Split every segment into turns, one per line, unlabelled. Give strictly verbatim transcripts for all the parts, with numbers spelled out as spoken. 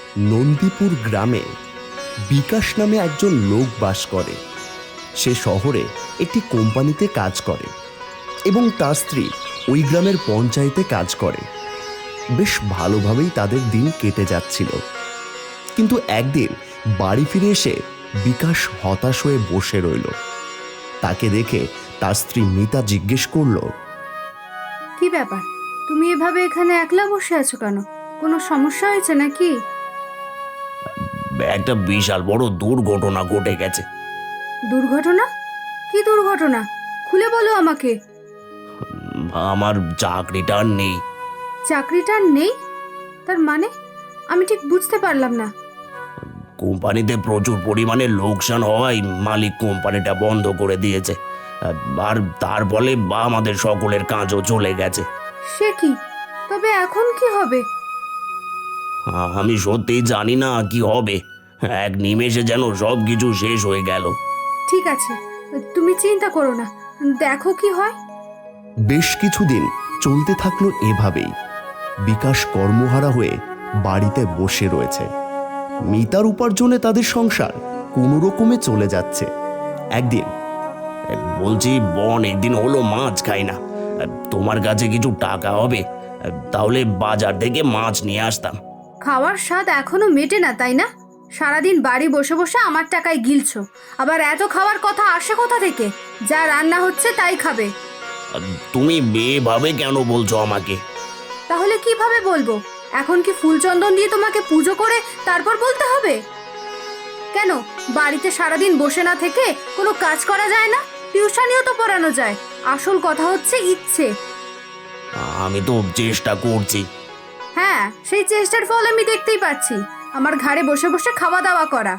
নন্দীপুর গ্রামে বিকাশ নামে একজন লোক বাস করে। সে শহরে একটি কোম্পানিতে কাজ করে এবং তার স্ত্রী ওই গ্রামের পঞ্চায়েতে কাজ করে। বেশ ভালোভাবেই তাদের দিন কেটে যাচ্ছিল। কিন্তু একদিন বাড়ি ফিরে এসে বিকাশ হতাশ হয়ে বসে রইল। তাকে দেখে তার স্ত্রী মিতা জিজ্ঞেস করল,
কি ব্যাপার, তুমি এভাবে এখানে একলা বসে আছো কেন? কোনো সমস্যা হয়েছে নাকি?
একটা বিশাল বড় দুর্ঘটনা ঘটে গেছে।
দুর্ঘটনা? কি দুর্ঘটনা? খুলে বলো আমাকে।
আমার চাকরিটা আর নেই।
চাকরিটা আর নেই? তার মানে আমি ঠিক বুঝতে পারলাম না।
কোম্পানিতে প্রচুর পরিমাণে লোকসান হওয়ায় মালিক কোম্পানিটা বন্ধ করে দিয়েছে। আর তার ফলে আমাদের সকলের কাজও চলে গেছে।
সে কি? তবে এখন কি হবে?
আমি সত্যিই জানি না কি হবে। এক নিমেষে যেন সব কিছু শেষ হয়ে গেল।
ঠিক আছে, তুমি চিন্তা করো না, দেখো কি হয়।
বেশ কিছুদিন চলতে থাকলো এভাবেই। বিকাশ কর্মহারা হয়ে বাড়িতে বসে রয়েছে। মিতার উপার্জনে তাদের সংসার কোনো রকমে চলে যাচ্ছে। একদিন,
বলছি অনেক দিন হলো মাছ খাই না, তোমার কাছে কিছু টাকা হবে? তাহলে বাজার থেকে মাছ নিয়ে আসতাম।
খাওয়ার স্বাদ এখনো মেটে না, তাই না? সারাদিন বাড়ি বসে বসে আমার টাকায় গিলছো, আবার এত খাওয়ার কথা আসে কোথা থেকে? যা রান্না হচ্ছে তাই খাবে।
তুমি এভাবে কেন বলছো আমাকে?
তাহলে কিভাবে বলবো? এখন কি ফুল চন্দন দিয়ে তোমাকে পুজো করে তারপর বলতে হবে? কেন বাড়িতে সারাদিন বসে না থেকে কোনো কাজ করা যায় না? টিউশনিও তো পড়ানো যায়। আসল কথা হচ্ছে ইচ্ছে।
আমি তো চেষ্টা করছি।
হ্যাঁ, সেই চেষ্টার ফল আমি দেখতেই পাচ্ছি, আমার ঘাড়ে বসে বসে খাওয়া দাওয়া করা।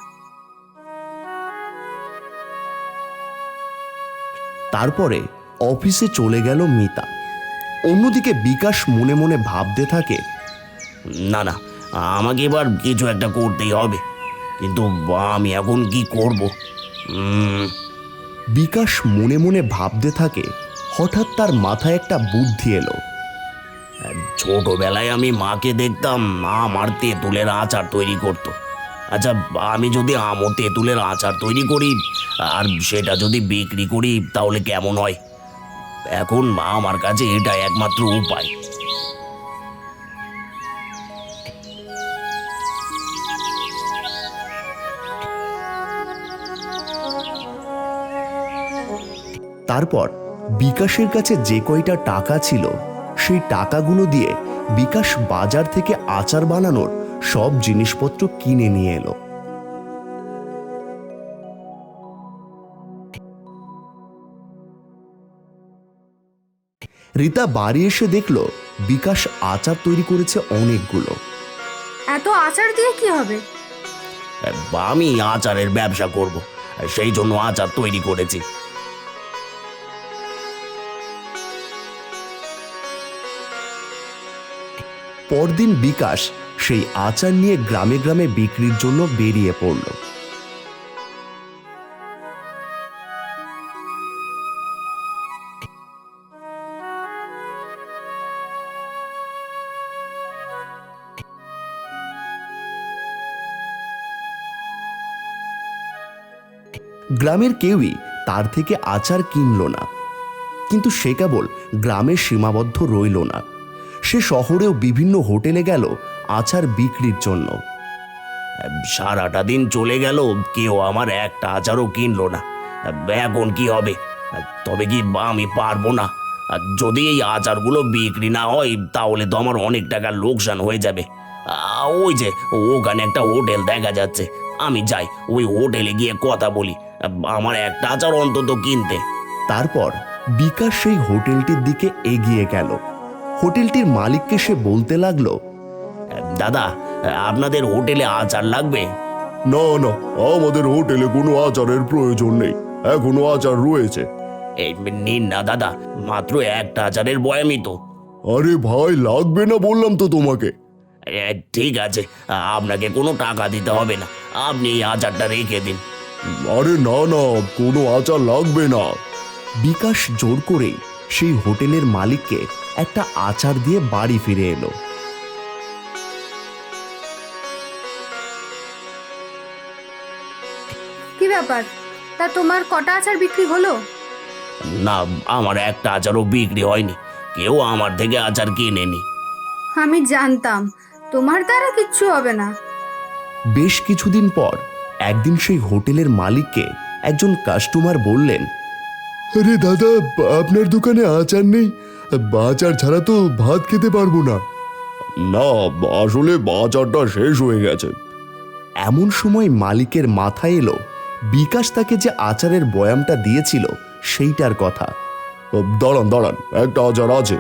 তারপরে অফিসে চলে গেল মিতা। অন্যদিকে বিকাশ মনে মনে ভাবতে থাকে,
না না, আমাকে এবার কিছু একটা করতেই হবে, কিন্তু আমি এখন কি করব? উম,
বিকাশ মনে মনে ভাবতে থাকে। হঠাৎ তার মাথায় একটা বুদ্ধি এলো।
ছোটবেলায় আমি মাকে দেখতাম আমার তেঁতুলের আচার তৈরি করত। আচ্ছা, আমি যদি আমও তেঁতুলের আচার তৈরি করি আর সেটা যদি বিক্রি করি তাহলে কেমন হয়? এখন আমার কাছে এটা একমাত্র উপায়।
তারপর বিকাশের কাছে যে কয়টা টাকা ছিল সেই টাকাগুলো দিয়ে বিকাশ বাজার থেকে আচার বানানোর সব জিনিসপত্র কিনে নিয়ে এলো। রীতা বাড়ি এসে দেখলো বিকাশ আচার তৈরি করেছে অনেকগুলো।
এত আচার দিয়ে কি হবে?
আমি আচারের ব্যবসা করব, সেই জন্য আচার তৈরি করেছি।
পরদিন বিকাশ সেই আচার নিয়ে গ্রামে গ্রামে বিক্রির জন্য বেরিয়ে পড়ল। গ্রামের কেউই তার থেকে আচার কিনল না। কিন্তু সে কেবল গ্রামে সীমাবদ্ধ রইল না, সে শহরেও বিভিন্ন হোটেলে গেল আচার বিক্রির জন্য।
সারাটা দিন চলে গেল, কেউ আমার একটা আচারও কিনলো না। এখন কি হবে? তবে কি আমি পারবো না? যদি এই আচারগুলো বিক্রি না হয় তাহলে তো আমার অনেক টাকা লোকসান হয়ে যাবে। আ, ওই যে ওখানে একটা হোটেল দেখা যাচ্ছে, আমি যাই ওই হোটেলে গিয়ে কথা বলি, আমার একটা আচার অন্তত কিনতে।
তারপর বিকাশ সেই হোটেলটির দিকে এগিয়ে গেল। হোটেলটির মালিককে সে বলতে লাগলো,
দাদা, আপনাদের হোটেলে আচার লাগবে?
না না, আমাদের হোটেলে কোনো আচারের প্রয়োজন নেই, এখনো আচার রয়েছে।
এই নিন না দাদা, মাত্র একটা আচারের বয়ামই তো।
আরে ভাই, লাগবে না বললাম তো তোমাকে।
এ, ঠিক আছে, আপনাকে কোনো টাকা দিতে হবে না, আপনি এই আচারটা রেখে দিন।
আরে না না, কোনো আচার লাগবে না।
বিকাশ জোর করেই সেই হোটেলের মালিককে একটা আচার দিয়ে বাড়ি ফিরে এলো।
ব্যাপার। তা তোমার কটা আচার বিক্রি হলো?
না, আমার একটা আচারও বিক্রি হয়নি। কেউ আমার থেকে আচার কিনেনি।
আমি জানতাম তোমার দ্বারা কিচ্ছু হবে না।
বেশ কিছুদিন পর একদিন সেই হোটেলের মালিককে একজন কাস্টমার বললেন,
আরে দাদা, আপনার দোকানে আচার নেই? আচার ছাড়া তো ভাত খেতে পারবো না। না, আসলে আচারটা শেষ হয়ে গেছে।
এমন সময় মালিকের মাথায় এলো বিকাশ তাকে যে আচারের বয়ামটা দিয়েছিল সেইটার কথা।
দাঁড়ান দাঁড়ান, একটা আচার আছে।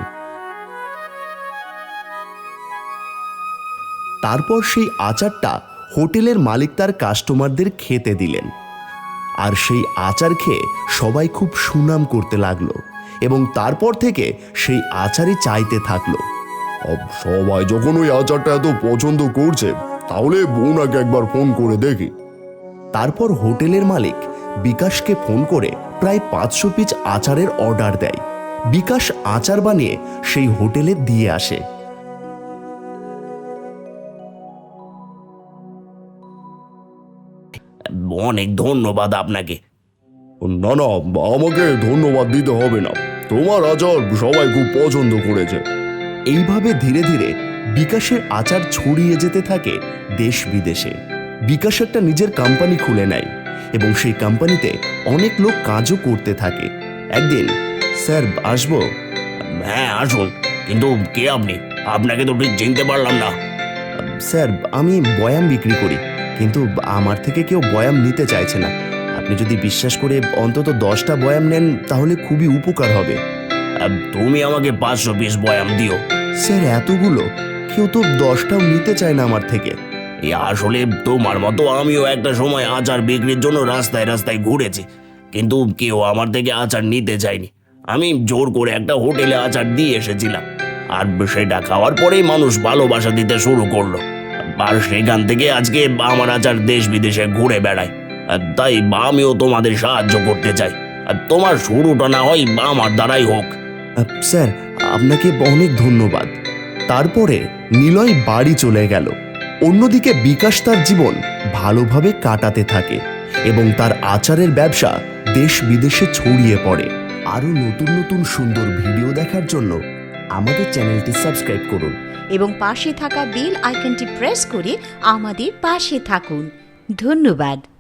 তারপর সেই আচারটা হোটেলের মালিক তার কাস্টমারদের খেতে দিলেন। আর সেই আচার খেয়ে সবাই খুব সুনাম করতে লাগলো এবং তারপর থেকে সেই আচারই চাইতে থাকলো।
সবাই যখন ওই আচারটা এত পছন্দ করছে, তাহলে ওনাকে একবার ফোন করে দেখি।
তারপর হোটেলের মালিক বিকাশকে ফোন করে প্রায় পাঁচশো পিস আচারের অর্ডার দেয়। বিকাশ আচার বানিয়ে সেই হোটেলে দিয়ে আসে।
অনেক ধন্যবাদ আপনাকে।
না না, আমাকে ধন্যবাদ দিতে হবে না। তোমার আচার সবাই খুব পছন্দ করেছে।
এইভাবে ধীরে ধীরে বিকাশের আচার ছড়িয়ে যেতে থাকে দেশ বিদেশে। বিকাশ একটা নিজের কোম্পানি খুলে নেয় এবং সেই কোম্পানিতে অনেক লোক কাজও করতে থাকে। একদিন, স্যার আসবো?
হ্যাঁ, আসুন। কিন্তু কে আপনি? আপনাকে তো ঠিক চিনতে পারলাম না।
স্যার, আমি বয়াম বিক্রি করি, কিন্তু আমার থেকে কেউ বয়াম নিতে চাইছে না। আপনি যদি বিশ্বাস করে অন্তত দশটা বয়াম নেন তাহলে খুবই উপকার হবে।
আহ, তুমি আমাকে পাঁচশো পিস বয়াম দিও।
স্যার, এতগুলো? কেউ তো দশটাও নিতে চায় না আমার থেকে।
এই আসলে তোমার মতো আমিও একটা সময় আচার বিক্রির জন্য রাস্তায় রাস্তায় ঘুরেছি, কিন্তু কেউ আমার থেকে আচার নিতে চায়নি। আমি জোর করে একটা হোটেলে আচার দিয়ে এসেছিলাম, আর সেটা খাওয়ার পরেই মানুষ ভালোবাসা দিতে শুরু করলো। আর সেখান থেকে আজকে আমার আচার দেশ বিদেশে ঘুরে বেড়ায়। আর তাই আমিও তোমাদের সাহায্য করতে চাই। আর তোমার শুরুটা না হয় আমার দ্বারাই হোক।
আহ, স্যার, আপনাকে অনেক ধন্যবাদ। তারপরে নিলয় বাড়ি চলে গেল। অন্যদিকে বিকাশ তার জীবন ভালোভাবে কাটাতে থাকে এবং তার আচারের ব্যবসা দেশ বিদেশে ছড়িয়ে পড়ে। আরও নতুন নতুন সুন্দর ভিডিও দেখার জন্য আমাদের চ্যানেলটি সাবস্ক্রাইব করুন
এবং পাশে থাকা বেল আইকনটি প্রেস করে আমাদের পাশে থাকুন। ধন্যবাদ।